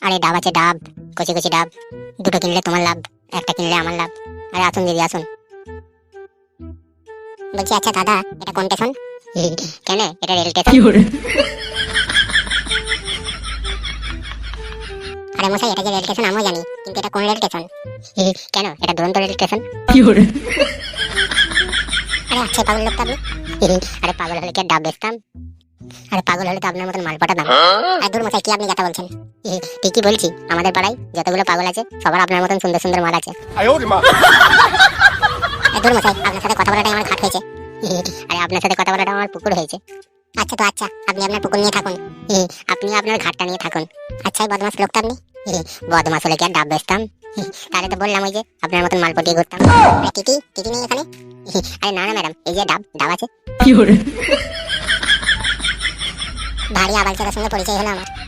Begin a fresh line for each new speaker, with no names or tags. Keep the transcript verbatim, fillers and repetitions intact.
আরে ডাব আছে ডাব, কচি কচি ডাব। দুটো কিনলে তোমার লাভ, একটা কিনলে আমার লাভ। আরে আসুন দিদি আসুন। বলছি আচ্ছা দাদা, এটা কোন স্টেশন? কেন, এটা রেল স্টেশন। আরে মশাই, এটা যে রেল স্টেশন আমিও জানি, কিন্তু এটা কোন রেল স্টেশন? কেন, এটা দুরন্ত রেল স্টেশন। আরে আচ্ছা পাগল লোক তো আপনি। আরে পাগল হলে কি আর ডাব বেচতাম? আরে পাগল হলে তো আপনার মতন মাল পাঠাতাম। আর দূর মশাই, কি আপনি কথা বলছেন? ঠিকই বলছি, আমাদের পাড়ায় যতগুলো পাগল আছে সবার আপনার মতন সুন্দর সুন্দর মাল আছে। দূর মশাই, আপনার সাথে কথা বলাটাই আমার ঘাট হয়েছে। আরে আপনার সাথে কথা বলাটা আমার পুকুর হয়েছে। আচ্ছা তো আচ্ছা, আপনি আপনার পুকুর নিয়ে থাকুন, আপনি আপনার ঘাটটা নিয়ে থাকুন। আচ্ছা বদমাস লোকটা আপনি। বদমাস হলে কি আর ডাব বেচতাম? তাহলে তো বললাম ওই যে আপনার মতন মাল পটিয়ে ঘুরতাম। টিটি টিটি নেই এখানে? আরে না না ম্যাডাম, এই যে ডাব ডাব আছে। ভারী আবাল চালার সঙ্গে পরিচয় হলো আমার।